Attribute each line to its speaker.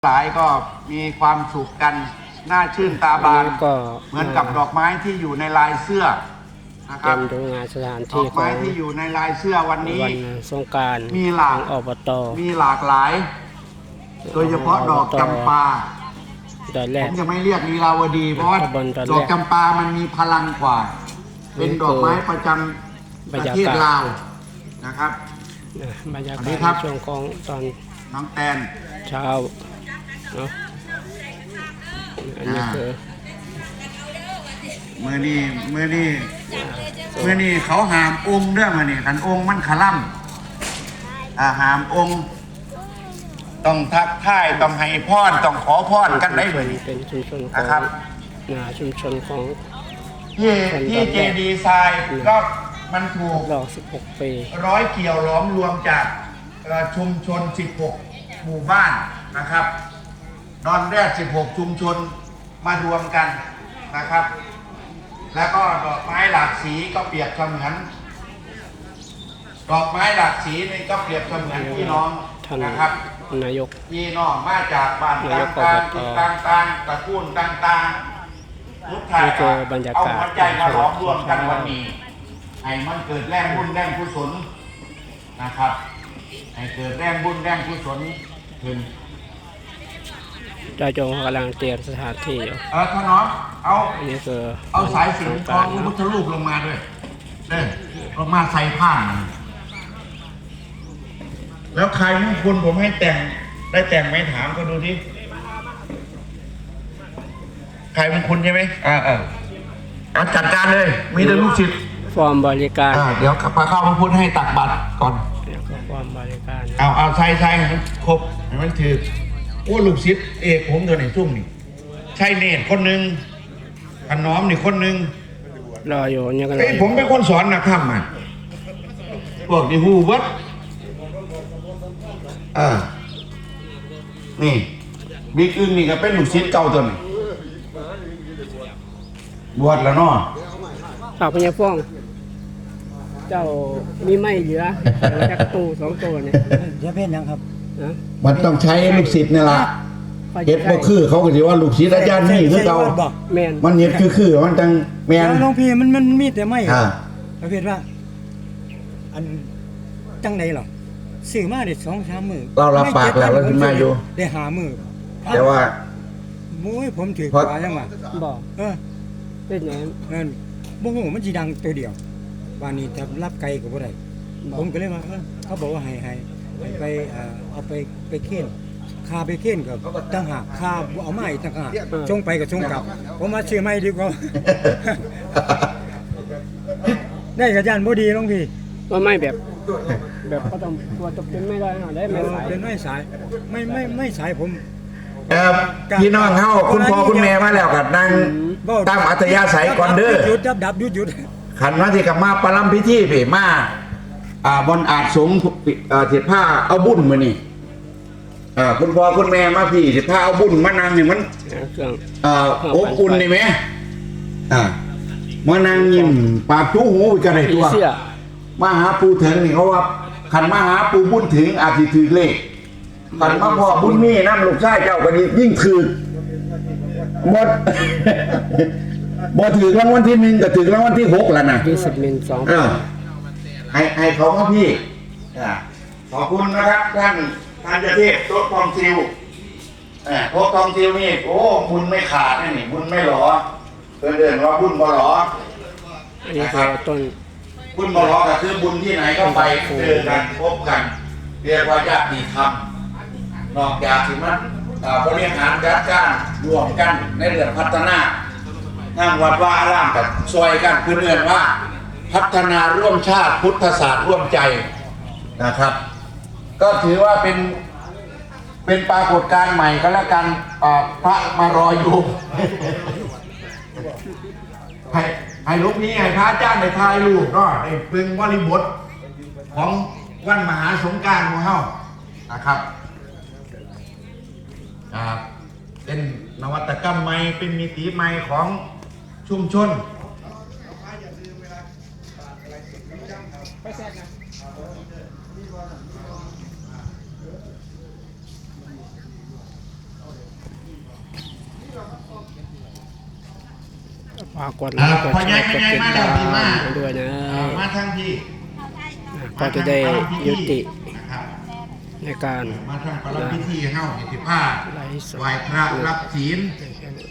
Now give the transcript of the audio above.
Speaker 1: หลายก็มีความสุขกันน่าชื่นตาบาน
Speaker 2: ก็
Speaker 1: เหมือนกับดอกไม้ที่อยู่ในลายเสื้อนะครับ
Speaker 2: ดูงานสถาน
Speaker 1: ดอ
Speaker 2: ที่
Speaker 1: กไม้ที่อยู่ในลายเสื้อวันนี้
Speaker 2: วันสงกรานต์
Speaker 1: มีหลาก
Speaker 2: อบต
Speaker 1: มีหลากหลาย โดยเฉพาะดอกจำปาผมจะไม่เรียกลีลาวดีเพราะว่าดอกจำปามันมีพลังกว่าเป็นดอกไม้ประจำประเทศลาวนะครับ
Speaker 2: บรรยากาศช่วงของตอน
Speaker 1: น้องแตน
Speaker 2: เช้าเนาะอันนี้คือ
Speaker 1: เมื่อนี้เขาหามองค์เรื่องมาเนี่ยขันองค์มันขล่ำหามองค์ต้องทักทายต้องให้พรต้องขอพรกันได้เลย
Speaker 2: เป็นชุมชน
Speaker 1: นะครับ
Speaker 2: ชุมชนของ
Speaker 1: ที่เจดีไซน์ก็มันถูก
Speaker 2: รอ16 ปี
Speaker 1: ร้อยเกี่ยวล้อมรวมจากชุมชน16หมู่บ้านนะครับดอนแรก16ชุมชนมารวมกันนะครับแล้วก็ดอกไม้หลากสีก็เปรียบเสมือนดอกไม้หลากสีนี่ก็เปรียบเสมือนพี่น้องนะครับ
Speaker 2: นายก
Speaker 1: พี่น้องมาจากบ้านต่างๆต่างๆตระกูลต่างๆทุกท่านเอาหัวใจมาล้อมรวมกันวันนี้ให้มันเกิดแรงบุญแรงกุศลนะครับให้เกิดแรงบุญแรงกุศลขึ้น
Speaker 2: ได้จงกำลังเตรียมสถานที่อยู่
Speaker 1: ท่านน้อง
Speaker 2: อันนี้คือ
Speaker 1: เอาสายสิญจน์ของพระพุทธรูปลงมาด้วยลงมาใส่ผ้าแล้วใครมงคลผมให้แต่งได้แต่งไหมถามก็ดูที่ใครมงคลใช่ไหมเอาจัดการเลยมีแต่ลูกศิษย์
Speaker 2: ฟอร์มบริการ
Speaker 1: เดี๋ยวพาเข้าพระพุทธให้ตักบัตรก่อน
Speaker 2: ฟอร์มบริการ
Speaker 1: เอาใส่ครบให้มันถือว่าลูกศิษย์เอกผมตัวไหนซุ่มนี่ใช่เนตรคนหนึ่งขน้อมนี่คนหนึ่ง
Speaker 2: รออยู่เนี่ยกัน
Speaker 1: ผมเป็นคนสอนนักธรรมพวกนี่ฮู้วัดนี่บิ๊กอึ้งนี่ก็เป็นลูกศิษย์เก่าตัวนี้บวชแล้วเนาะ
Speaker 2: ฝากพญาฟ้องเจ้ามีไม่เหลือจักตู้2ตัวเนี่ย
Speaker 3: จะเป็นยังครับ
Speaker 1: มันต้องใช้ลูกศิษย์นี่ล่ะเฮ็ดบ่คือเขาก็สิว่าลูกศิษย์อาจารย์นี่คือเก่ามันเฮ็ดคือมันจังแม่น
Speaker 3: หลวงพี่มันมีแต่ไม่ประเภทว่าอันจังได๋หรอซื้อมาได้ 2-3 มื้อ
Speaker 1: เรารับปากแล้วขึ้นมาอยู่
Speaker 3: ได้5มื้อ
Speaker 1: แต่ว่า
Speaker 3: มุ้ยผมถือกว่าจังว่า
Speaker 2: บ่เป็นหยัง
Speaker 3: บ่ฮู้มันสิดังตัวเดียววันนี้ถ้ารับไกลก็บ่ได้ผมก็เลยว่าเขาบอกว่าให้ไปเอาไปเค้นค่าไปเค้นก็ตั้งหากค่าเอาไม้ตั้งหากชงไปก็ชงกลับผมมาซื้อไม้ดีกว่าได้กับย่านบ่ดีน้องพี่
Speaker 2: ว่าไม่แบบก็ต้องตัวตกเป็นไม่ได้ได้ไม่สาย
Speaker 3: เป็นไม่สายไม่สายผม
Speaker 1: พี่น้องเฮาคุณพ่อคุณแม่มาแล้วก็นั่งตามอัธยาศัยก่อนเด้อ
Speaker 3: หยุดดับหยุด
Speaker 1: ขันมาที่กับมาปรำพิธีพี่มาบนอาจสงเทียผ้าเอาบุญมานี่คุณพ่อคุณแม่มาพี่เทียผ้าเอาบุญมานั่งนี่มันอบอุ่นนี่ไหมมานั่งยิ้มปากจู้หูไปกันเลยตัวมาหาปูถึงนี่เขาว่าขันมาหาปูบุญถึงอาจจะถือเลขขันมาพ่อบุญมีน้ำลูกชายเจ้ากันยิ่งถือบ่ถือรางวัลที่1ก็ถือรางวัลที่6แล้วนะ
Speaker 2: 20 มิล 2
Speaker 1: ให้เขาครับพี่ขอบคุณนะครับท่านเจ้าเทพโต๊ะทองซิวโต๊ะทองซิวนี่โอ้บุญไม่ขาดนี่บุญไม่หลอเดินว่าบุญบ่หลอ
Speaker 2: นะครับต้น
Speaker 1: บุญบ่หลอก็คือบุญที่ไหนก็ไปเจอกันพบกันเรียกว่าญาติธรรมนอกจากที่มันบริหารจัดการรวมกันในเรื่องพัฒนาทางวัดว่าอารามกับซอยกันคือเรื่องว่าพัฒนาร่วมชาติพุทธศาสตร์ร่วมใจนะครับก็ถือว่าเป็นปรากฏการณ์ใหม่ก็แล้วกันพระมารออยู่ให้ลูกนี้ให้พระอาจารย์ในทายลูกก็ได้เป็นบริบทของวันมหาสงกรานต์ของเฮานะครับเป็นนวัตกรรมใหม่เป็นมิติใหม่ของชุมชน
Speaker 2: ฝากกดไลค์กดแชร์กดติดตามให้ด้วยนะ
Speaker 1: มาทั้งที่
Speaker 2: ก็จะได้ยุติ
Speaker 1: นะครับ
Speaker 2: ในการ
Speaker 1: มาทั้งประลับพิธีเฮ้าสิบห้า
Speaker 2: ไลฟ์สด
Speaker 1: ไหว้พระรับศีล